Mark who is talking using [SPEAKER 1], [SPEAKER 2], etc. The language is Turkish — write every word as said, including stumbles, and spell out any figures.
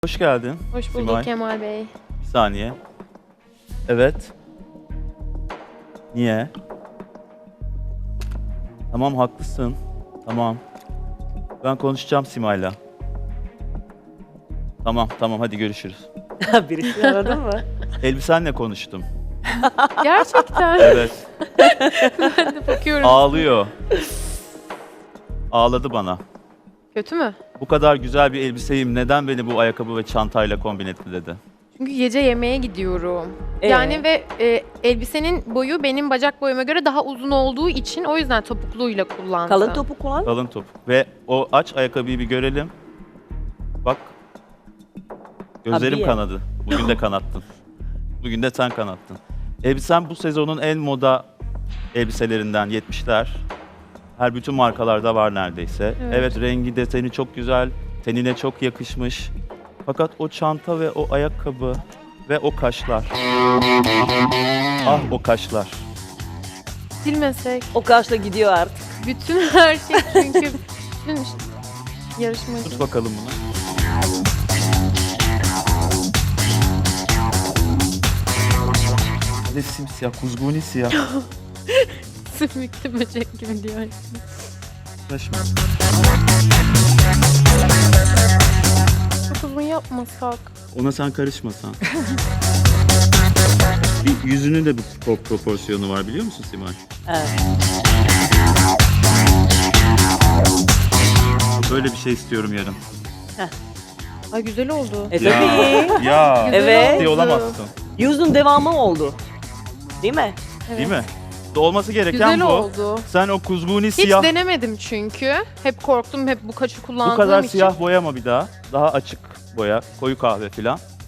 [SPEAKER 1] Hoş geldin.
[SPEAKER 2] Hoş bulduk
[SPEAKER 1] Simay.
[SPEAKER 2] Kemal Bey.
[SPEAKER 1] Bir saniye. Evet. Niye? Tamam haklısın. Tamam. Ben konuşacağım Simay'la. Tamam tamam hadi görüşürüz.
[SPEAKER 3] Birisini aradın mı?
[SPEAKER 1] Elbisenle konuştum.
[SPEAKER 2] Gerçekten.
[SPEAKER 1] Evet.
[SPEAKER 2] Ben de bakıyorum.
[SPEAKER 1] Ağlıyor. Ağladı bana.
[SPEAKER 2] Kötü mü?
[SPEAKER 1] Bu kadar güzel bir elbiseyim neden beni bu ayakkabı ve çantayla kombin etti dedi.
[SPEAKER 2] Çünkü gece yemeğe gidiyorum.
[SPEAKER 3] Ee?
[SPEAKER 2] Yani ve e, elbisenin boyu benim bacak boyuma göre daha uzun olduğu için o yüzden topukluyla kullandım.
[SPEAKER 3] Kalın topuk kullan.
[SPEAKER 1] Kalın topuk. Ve o aç ayakkabıyı bir görelim. Bak. Gözlerim
[SPEAKER 3] Abiye.
[SPEAKER 1] kanadı. Bugün de kanattın. Bugün de sen kanattın. Elbisen bu sezonun en moda elbiselerinden yetmişler. Her bütün markalarda var neredeyse. Evet.
[SPEAKER 2] Evet.
[SPEAKER 1] rengi deseni çok güzel. Tenine çok yakışmış. Fakat o çanta ve o ayakkabı ve o kaşlar. Ah o kaşlar.
[SPEAKER 2] Silmesek.
[SPEAKER 3] O kaşla gidiyor artık.
[SPEAKER 2] Bütün her şey çünkü bütün yarışmacı.
[SPEAKER 1] Tut bakalım bunu. Bir de simsiyah, kuzguni siyah.
[SPEAKER 2] Sümüklü böcek gibi diyor.
[SPEAKER 1] Saçma.
[SPEAKER 2] Çok uzun yapmasak.
[SPEAKER 1] Ona sen karışmasan. Bir yüzünün de bir pro- proporsiyonu var biliyor musun Simay?
[SPEAKER 3] Evet.
[SPEAKER 1] Böyle bir şey istiyorum yarın.
[SPEAKER 2] Ay güzel oldu.
[SPEAKER 3] E tabii.
[SPEAKER 1] Ya.
[SPEAKER 2] Güzel
[SPEAKER 3] Evet.
[SPEAKER 1] Şey
[SPEAKER 2] oldu.
[SPEAKER 1] olamazsın.
[SPEAKER 3] Yüzün devamı oldu. Değil mi?
[SPEAKER 2] Evet.
[SPEAKER 1] Değil mi? Olması gereken
[SPEAKER 2] Güzel
[SPEAKER 1] bu.
[SPEAKER 2] oldu.
[SPEAKER 1] Sen o kuzguni
[SPEAKER 2] Hiç
[SPEAKER 1] siyah,
[SPEAKER 2] denemedim çünkü. Hep korktum, hep bu kaşı kullandığım
[SPEAKER 1] bu kadar
[SPEAKER 2] için.
[SPEAKER 1] siyah boyama bir daha. Daha açık boya, koyu kahve filan.